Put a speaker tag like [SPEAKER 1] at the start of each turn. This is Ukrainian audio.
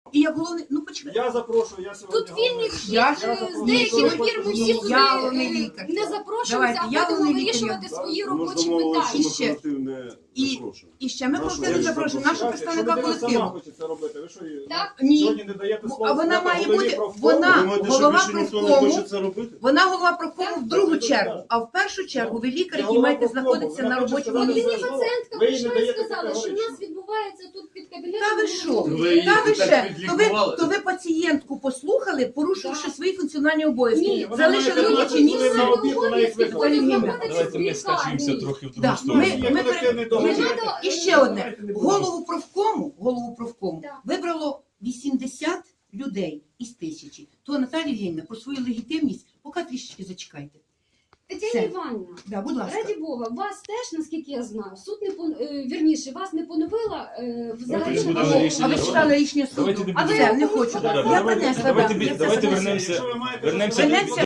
[SPEAKER 1] І я головне, ну почекай.
[SPEAKER 2] Я запрошую, я сьогодні...
[SPEAKER 3] Тут вільний вхід,
[SPEAKER 1] Я
[SPEAKER 3] з деяких пір ми всі
[SPEAKER 1] Я
[SPEAKER 3] туди
[SPEAKER 1] головний лікар.
[SPEAKER 3] не запрошуємося,
[SPEAKER 1] Давайте,
[SPEAKER 3] а
[SPEAKER 1] я
[SPEAKER 3] будемо
[SPEAKER 1] головний
[SPEAKER 3] вирішувати
[SPEAKER 1] лікар.
[SPEAKER 3] свої
[SPEAKER 2] Ми
[SPEAKER 3] робочі
[SPEAKER 2] домовилися,
[SPEAKER 3] питання.
[SPEAKER 2] що ми колектив не запрошуємо.
[SPEAKER 1] І ще ми
[SPEAKER 2] Нашу
[SPEAKER 1] колектив
[SPEAKER 2] ви
[SPEAKER 1] запрошуємо, нашого представника
[SPEAKER 2] Якщо людина сама
[SPEAKER 1] колективу.
[SPEAKER 2] хоче це робити, ви що її
[SPEAKER 3] Так?
[SPEAKER 1] Ні.
[SPEAKER 2] сьогодні не даєте слово?
[SPEAKER 1] А вона
[SPEAKER 2] сказати
[SPEAKER 1] має
[SPEAKER 2] голові
[SPEAKER 1] бути,
[SPEAKER 2] профкому?
[SPEAKER 1] вона
[SPEAKER 4] Думаєте, що
[SPEAKER 1] голова
[SPEAKER 4] більше ніхто не
[SPEAKER 1] профкому,
[SPEAKER 4] хоче це робити?
[SPEAKER 1] вона голова профкому в другу
[SPEAKER 2] Так,
[SPEAKER 1] чергу,
[SPEAKER 2] так.
[SPEAKER 1] а в першу чергу ви лікар,
[SPEAKER 2] Я
[SPEAKER 1] який маєте
[SPEAKER 2] голова профкому,
[SPEAKER 1] знаходитися
[SPEAKER 2] вона
[SPEAKER 1] на
[SPEAKER 2] хоче
[SPEAKER 1] робочому
[SPEAKER 3] От
[SPEAKER 2] сказати
[SPEAKER 3] мені
[SPEAKER 1] місці.
[SPEAKER 2] слово.
[SPEAKER 3] пацієнтка
[SPEAKER 2] Ви їй не
[SPEAKER 3] прийшла і
[SPEAKER 2] даєте
[SPEAKER 3] сказала, що в
[SPEAKER 2] категорично.
[SPEAKER 3] нас відбувається тут під кабінетом.
[SPEAKER 1] Та ви що?
[SPEAKER 4] Ви її
[SPEAKER 1] Та ви
[SPEAKER 4] так
[SPEAKER 1] ще?
[SPEAKER 4] підлікували.
[SPEAKER 1] То ви пацієнтку послухали, порушивши свої функціональні обов'язки.
[SPEAKER 3] Ні,
[SPEAKER 2] вона
[SPEAKER 1] Залишили
[SPEAKER 2] має
[SPEAKER 1] робоче
[SPEAKER 2] 15
[SPEAKER 1] місце.
[SPEAKER 2] хвилин на обід, вона їх викликала.
[SPEAKER 5] Давайте ми скачемося трохи в
[SPEAKER 1] Да.
[SPEAKER 5] другу сторону.
[SPEAKER 2] Є колективний договір.
[SPEAKER 1] І ще одне. Голову профкому
[SPEAKER 3] Так.
[SPEAKER 1] вибрало 80 людей із 1000. То Наталія Євгенівна, про свою легітимність поки трішечки зачекайте.
[SPEAKER 3] Тетяна
[SPEAKER 1] Все.
[SPEAKER 3] Іванівна,
[SPEAKER 1] Да, будь ласка.
[SPEAKER 3] раді Бога, вас теж, наскільки я знаю, суд не вірніше, вас не поновила взагалі.
[SPEAKER 5] Давайте не
[SPEAKER 3] на
[SPEAKER 5] будемо
[SPEAKER 3] роботу.
[SPEAKER 5] рішення
[SPEAKER 1] А ви читали рішення суду?
[SPEAKER 5] Давайте не
[SPEAKER 1] А
[SPEAKER 5] будемо.
[SPEAKER 1] все, не хочу.
[SPEAKER 3] Да,
[SPEAKER 1] Я принесла.
[SPEAKER 5] Давайте
[SPEAKER 1] да. Я це
[SPEAKER 5] давайте
[SPEAKER 1] занесла.
[SPEAKER 5] вернемося.
[SPEAKER 2] Якщо ви маєте
[SPEAKER 5] Вернемося
[SPEAKER 1] Вернемося